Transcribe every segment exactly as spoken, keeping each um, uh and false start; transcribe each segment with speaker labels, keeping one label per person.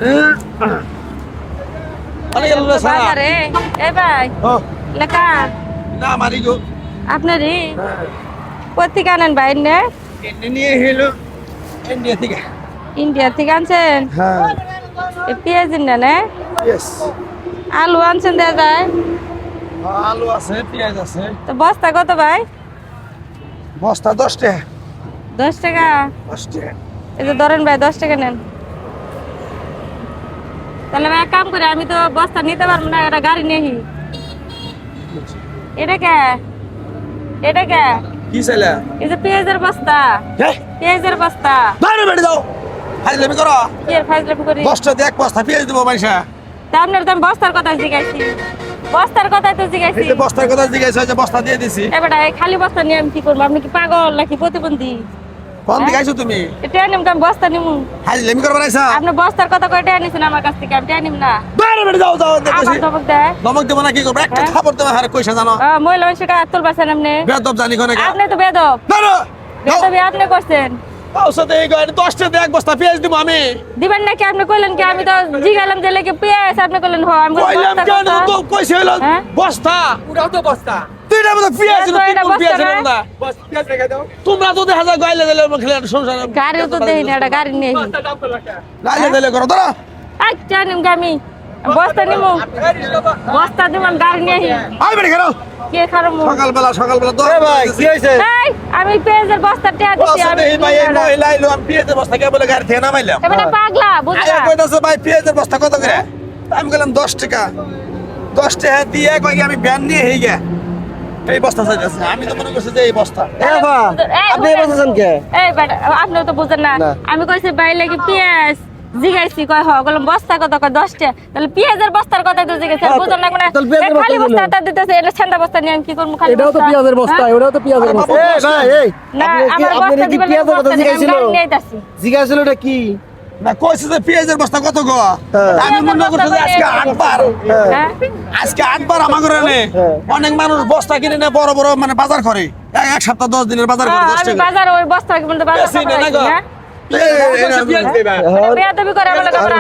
Speaker 1: বাজারে এ ভাই লেখা
Speaker 2: না মারি গো
Speaker 1: আপনারই কোথেকে আনেন ভাই নে
Speaker 2: নিয়ে হেলো ইন্ডিয়া থেকে
Speaker 1: ইন্ডিয়া থেকে আনছেন
Speaker 2: হ্যাঁ
Speaker 1: এ পেঁয়াজ না না
Speaker 2: ইয়েস
Speaker 1: আলু আনছেন দেয়া যায়
Speaker 2: আলু আছে পেঁয়াজ আছে
Speaker 1: তো বস্তা কত ভাই
Speaker 2: বস্তা দশ টাকা
Speaker 1: দশ টাকা
Speaker 2: দশ টাকা
Speaker 1: এই যে ধরেন ভাই দশ টাকা নেন তাহলে ভাই এক কাম করে আমি তো বস্তা নিতে পারবো না একটা গাড়ি নেই এটা কে এটা কে
Speaker 2: কি চাইলা
Speaker 1: এই যে পেঁয়াজের বস্তা
Speaker 2: হ্যাঁ
Speaker 1: পেঁয়াজের বস্তা
Speaker 2: বাইরে বেড়ে দাও হাজলামি করো
Speaker 1: কি এর ফাইজলামি করি
Speaker 2: দশটা দিয়ে এক বস্তা পেঁয়াজ দেবো পয়সা
Speaker 1: তা আপনার তো আমি বস্তার কথা জিজ্ঞাসি বস্তার কথা তো জিজ্ঞাসি
Speaker 2: এই যে বস্তার কথা জিজ্ঞাসা হয়েছে বস্তা দিয়ে দিছি
Speaker 1: এবার এই খালি বস্তা নিয়ে আমি কি করবো আপনি কি পাগল নাকি প্রতিবন্ধী
Speaker 2: কোন দিকে আইছো তুমি
Speaker 1: এটা নিম আমি বস্তা নিমু
Speaker 2: হাজলামি করবা নাইছা
Speaker 1: আপনি বস্তার কথা কয় টাকা নিছেন আমার কাছ থেকে আমি টাকা নিম না
Speaker 2: বাইরে বেড়ে দাও দাও
Speaker 1: আমার
Speaker 2: দেখছি
Speaker 1: ধমক দেয়
Speaker 2: নমক দেবো না কি করবো একটা
Speaker 1: হ্যাঁ?
Speaker 2: খাবার দেবো হারে কইসা জানো
Speaker 1: আহ, মহিলা মানুষের কাজ তুলবাছেন আপনি
Speaker 2: বেদব জানি কোনে
Speaker 1: আপনি তো বেদব
Speaker 2: না না
Speaker 1: বেদবি আপনি করছেন
Speaker 2: ঔষধে এই গাড়ি দশটা দিয়ে এক বস্তা পেঁয়াজ দিব আমি
Speaker 1: দিবেন নাকি আপনি কইলেন কি আমি তো জিগালাম যে লেগে পেঁয়াজ আপনি কইলেন হ আমি কইলাম
Speaker 2: কইলাম
Speaker 1: বস্তার
Speaker 2: কেন
Speaker 1: কথা।
Speaker 2: তো কইছে হলো
Speaker 1: হ্যাঁ?
Speaker 2: বস্তা
Speaker 3: ওটাও তো বস্তা
Speaker 2: তুইটা মতো পেঁয়াজ
Speaker 1: তো
Speaker 2: ছিল
Speaker 1: এটা
Speaker 2: তিন মণ
Speaker 1: বস্তা
Speaker 2: পেঁয়াজ ছিল
Speaker 1: না?
Speaker 2: না
Speaker 3: বস্তা পেঁয়াজ রেখে দাও
Speaker 2: তোমরা তো দেখা যায় গাইলে দিলে খেলে সংসার
Speaker 1: গাড়িও তো দেই না এটা গাড়ি নেই
Speaker 3: বস্তা দাম কত টাকা
Speaker 2: গাইলে দিলে করো তোরা
Speaker 1: আচ্ছা নিম আমি বস্তা নিমু বস্তা দিম আমি গাড়ি নেই
Speaker 2: আই বেড়ে খেলো
Speaker 1: কে খারাপ
Speaker 2: সকালবেলা সকালবেলা তো ভাই কি হইছে
Speaker 1: এই আমি পেঁয়াজের বস্তা টাকা দিছি আমি
Speaker 2: এই ভাই এই মহিলা আইলো আমি পেঁয়াজের বস্তা কে বলে গাড়ি থেকে নামাইলাম
Speaker 1: এবারে পাগলা বুঝলা
Speaker 2: আয়া কইতাছে ভাই পেঁয়াজের বস্তা কত করে আমি বললাম দশ টাকা দশ টাকা দিয়ে কই আমি ভ্যান নিয়ে হেই গে এই বস্তা চাইতেছে আমি তো মনে করছি যে এই বস্তা
Speaker 1: আপনি বলছেন কে এই বেটা আপনি তো বুঝেন না আমি কইছি ভাই লাগি পেঁয়াজ জিগাইছি কয় হ বললাম বস্তা কত কয় দশ টাকা তাহলে পেঁয়াজের বস্তার কথা তো জিগাইছি বুঝেন না মানে খালি বস্তা তা দিতেছে এটা ছেন্দা বস্তা নিয়ে আমি কি করব খালি
Speaker 4: এটাও তো পেঁয়াজের বস্তা ওটাও তো পেঁয়াজের বস্তা
Speaker 2: এই ভাই এই
Speaker 1: না
Speaker 4: আপনি কি-
Speaker 1: আমার
Speaker 4: আপনি
Speaker 1: বস্তা
Speaker 4: কি
Speaker 1: দিবেন
Speaker 4: পেঁয়াজের কথা জিজ্ঞাসিল?
Speaker 1: নিয়েতাছি
Speaker 4: জিজ্ঞাসা এটা কি
Speaker 2: না কইছে যে পেঁয়াজের বস্তা কত গো আমি মনে করছি যে আজকে আটবার
Speaker 1: হ্যাঁ
Speaker 2: আজকে আটবার আমার ঘরে নে অনেক মানুষ বস্তা কিনে না বড় বড় মানে বাজার করে এক এক সপ্তাহ দশ দিনের বাজার করে দশ
Speaker 1: আমি
Speaker 2: টাকা
Speaker 1: বাজার ওই বস্তা কি বলতে বাজার
Speaker 2: বেশি
Speaker 1: করে
Speaker 2: না গো।
Speaker 1: হ্যাঁ
Speaker 3: বস্তা পেঁয়াজ দেবা
Speaker 1: বেয়াদবি করে আমার কাছে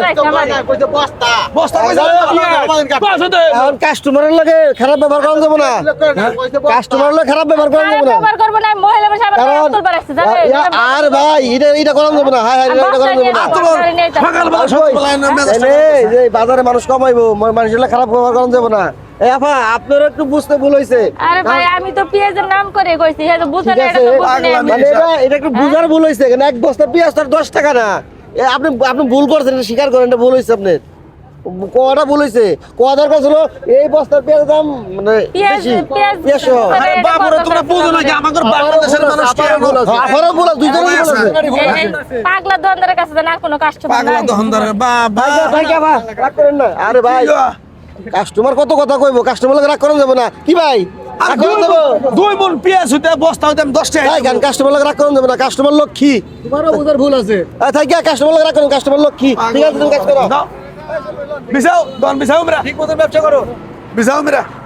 Speaker 3: কইতে বস্তা
Speaker 2: বস্তা কইছে বস্তা দে
Speaker 4: এখন কাস্টমারের লাগে খারাপ ব্যবহার করা যাবে না
Speaker 3: কইতে
Speaker 4: কাস্টমারের লাগে খারাপ ব্যবহার করা যাবে না
Speaker 1: ব্যবহার করব না মহিলা মানুষ আমার
Speaker 4: কারণ
Speaker 1: তুল বাড়াইছে জানেন
Speaker 4: ইয়া- আর ভাই এটা এটা করা যাবে না হাই হাই এটা করা যাবে না
Speaker 2: সকালবেলা সকালবেলা এনে মেজাজটা
Speaker 4: এই যে বাজারে মানুষ কমাইবো ম- মানুষের লাগে খারাপ ব্যবহার করা যাবে না এই আপা আপনার একটু বুঝতে ভুল হইছে
Speaker 1: আরে ভাই আমি তো পেঁয়াজের নাম করে কইছি হে তো বুঝেন
Speaker 4: ঠিক
Speaker 1: না, এটা
Speaker 4: আছে
Speaker 1: তো বুঝেন
Speaker 2: পাগলামি।
Speaker 4: মানে এটা এটা একটু বুঝার ভুল হইছে কেন এক বস্তা পেঁয়াজ তার দশ টাকা না এ আপনি আপনি ভুল করছেন এটা স্বীকার করেন এটা ভুল হইছে আপনার কোয়াটা ভুল হইছে কোয়া দরকার ছিল এই বস্তার পেঁয়াজের দাম মানে
Speaker 1: পেঁয়াজ
Speaker 4: বেশি
Speaker 1: পেঁয়াজ
Speaker 4: পেঁয়াজ সহ।
Speaker 2: আরে বাবুরে তোমরা বুঝো না যে আমাদের বাংলাদেশের মানুষ কি এমন?
Speaker 4: আমারও ভুল আছে, দুইজনেরই ভুল আছে।
Speaker 1: এই যে পাগলা দোকানদারের কাছে দেন আর কোনো কাস্টমার
Speaker 2: পাগলা
Speaker 1: নাই
Speaker 2: দহনদার বাবা
Speaker 4: ভাই, ভাই, কে ভাই? রাগ করেন না। আরে ভাই কাস্টমার কত কথা কইবো কাস্টমার লাগে রাগ করেন যাবো না কি ভাই
Speaker 2: আর
Speaker 4: রাগ
Speaker 2: দুই
Speaker 4: করেন যাবো
Speaker 2: মণ- দুই মন পেঁয়াজ হইতে বস্তা হইতে আমি দশ টাকা
Speaker 4: ভাই কেন কাস্টমার লাগে রাগ করেন যাবো না কাস্টমার লক্ষ্মী
Speaker 3: তোমারও বুঝার ভুল আছে
Speaker 4: থাকি কাস্টমার লাগে রাগ করেন কাস্টমার লক্ষ্মী ঠিক আছে তুমি কাজ করো
Speaker 2: দাও। বিছাও দন বিছাও মেরা
Speaker 3: ঠিক মতন ব্যবসা করো
Speaker 2: বিছাও মেরা